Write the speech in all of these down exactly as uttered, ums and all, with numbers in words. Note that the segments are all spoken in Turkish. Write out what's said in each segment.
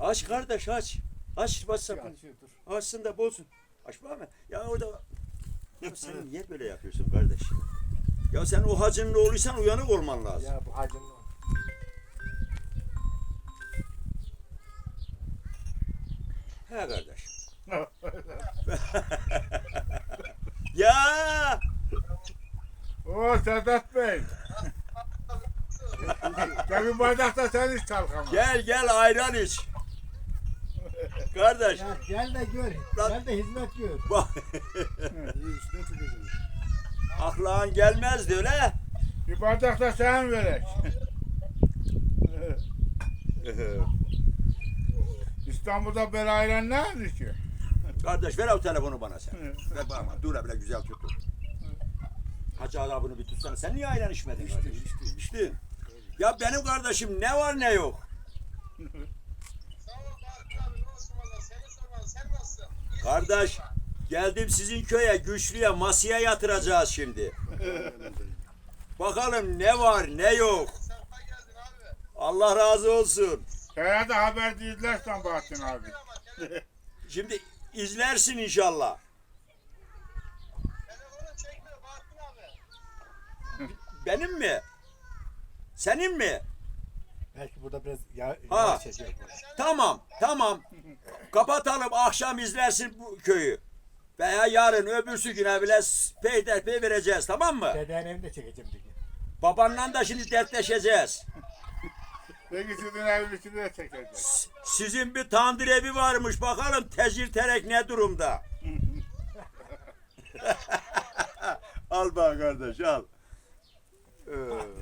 Aç kardeş aç. Aç WhatsApp'ını. Açıyor, dur. Açsın da bulsun. Aç bakma. Ya orada. Ya sen niye böyle yapıyorsun kardeş? Ya sen o hacının oğluysan uyanık olman lazım. Ya bu hacının o. He kardeş. Ya Oo Sedat Bey. Gel bir bardak da sen iç kalkama. gel gel ayran iç. Kardeş. Ya gel de gör. Lan- Gel de hizmet gör. Bak. Aklın gelmezdi öyle. Bir bardak da sen verek. İstanbul'da böyle ayran ne aldı ki? Kardeş ver o telefonu bana sen. Ver bana. Dur bile güzel tut. Hacı adabını bir tutsana. Sen niye ayran içmedin kardeş? İçtim, içtim. Ya benim kardeşim ne var ne yok. Sağ ol Barkın abi. Ne olsun valla. Seni sormalı. Sen nasılsın? İyisin Kardeş inşallah. geldim sizin köye güçlüye masaya yatıracağız şimdi. Bakalım ne var ne yok. Sefa geldin abi. Allah razı olsun. Şeye de haber değillersen Bahattin abi. Bir ama tele- Şimdi izlersin inşallah. telefonun çekmiyor Barkın abi. Benim mi? Senin mi? Belki burada biraz ya, Ha. yavaş çekiyor. Tamam, tamam. Kapatalım, akşam izlersin bu köyü. Veya yarın öbürsü güne bile peyderpey vereceğiz, tamam mı? Dedenin evini de çekeceğim dedi. Babanla da şimdi dertleşeceğiz. Peki sizin evlisini de çekeceğiz. Sizin bir tandır evi varmış, bakalım tecir terek ne durumda? Al bak kardeş, al. Ee.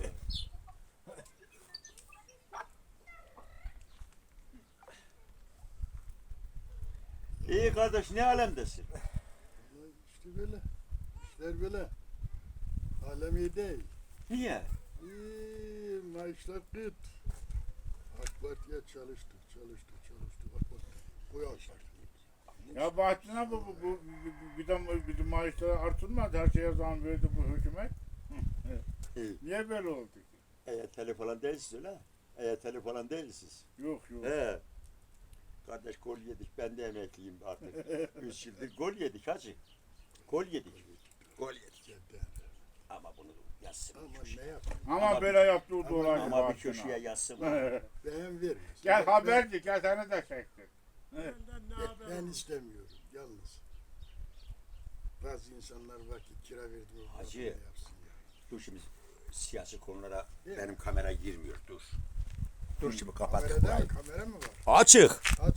İyi kardeş, ne alemdesin? İşte böyle. İşler böyle. Alem iyi değil. Niye? İyi, maaşlar kıt. AK Parti'ye çalıştık, çalıştık, çalıştık. AK Parti koyu açtık. Ya Bahattin abi bu, bu, bu, bu bir de bir de maaşları artırmadı. Her şeye zam verdi bu hükümet. İyi. Niye böyle oldu ki? E Y T L falan değilsiniz öyle. E Y T L falan değilsiniz. Yok yok. He. Kardeş gol yedik. Ben de emekliyim artık. Üç yıldır gol yedik hacı. Gol yedik. Gol yedik. Cidden. Ama bunu yazsın. bir Ama köşeye. ne yapayım? Ama, Ama- böyle yaptı o dolayı Ama bir Bahattin köşeye abi. yazsın. Ben vermez. Gel Ben- haberci gel seni de çektim. Ben, ben istemiyorum. Yalnız. Bazı insanlar var ki kira verdiği Hacı. yapsın ya. Dur şimdi siyasi konulara benim kamera girmiyor. Dur. Dur şimdi kapat. Kamerada mı? Kamera mı var? Açık. Aç